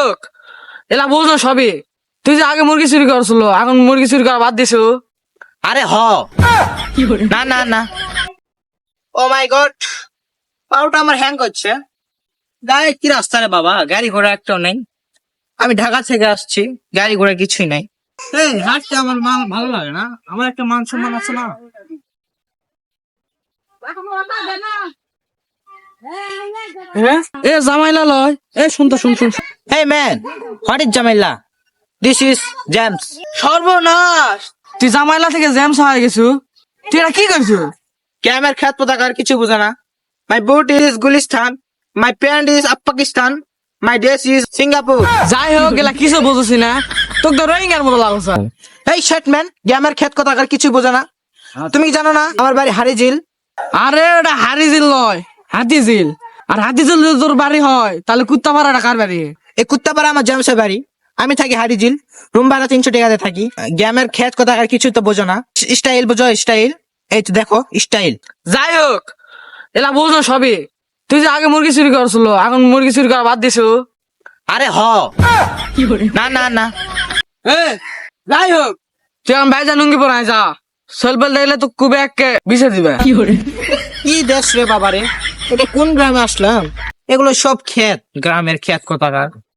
হোক, এলা বুঝলো সবই। তুই যে আগে মুরগি চুরি করছিল, এখন মুরগি চুরি করা বাদ দিছো। আরে না না না, ও মাই গড, পাউটা আমার হ্যাং করছে। গায়ে কি রাস্তা রে বাবা, গাড়ি ঘোড়া একটাও নেই। আমি ঢাকা থেকে আসছি, গাড়ি ঘোড়া কিছুই নাই। এই হাঁটতে আমার ভালো লাগে না, আমার একটা মান সম্মান আছে না। এ জামাইলা লয়, এ শুনতো শুন। Hey man, what is Jamila? This is James. সর্বনাশ, তুই জামাইলা থেকে জ্যামস হয়ে গেছু। তুই এটা কি করছো? ক্যামের খ্যাত পতাকার কিছু বোঝে না। My boot is Gulistan, my pant is Pakistan, my dress is Singapore. যাই হোক, এলা কিছু বুঝছি না, তোকে তো রোহিঙ্গার মতো লাগছে। Hey shit man, গ্যামের খ্যাত পতাকার কিছু বোঝে না। তুমি জানো না আমার বাড়ি হারিজিল? আরে ওটা হারিজিল নয়, হাতিঝিল। আর হাতিঝিল যদি তোর বাড়ি হয়, তাহলে কুত্তা পাড়াটা কার বাড়ি? এই কুত্তাপাড়া আমার জামসের বাড়ি। আমি থাকি হারিজিল, রুম ভাড়া 300 টাকাতে থাকি। গ্যামের খ্যাত পতাকার কিছু তো বোঝো না। স্টাইল বোঝো, স্টাইল। এই তো দেখো স্টাইল। যাই হোক, এলা বুঝলো সবই। তুই যে আগে মুরগি চুরি করছিল, এখন মুরগি চুরি করা বাদ দিছো। আরে না না না, যাই হোক, তুই এখন বাইজা লুঙ্গি পরাই যা। সলবেল দেখলে তো কুবে এককে বিছে দিবে। কি দেশ রে বাবারে, এটা কোন গ্রামে আসলাম? এগুলো সব ক্ষেত, গ্রামের ক্ষেত কোথাকার।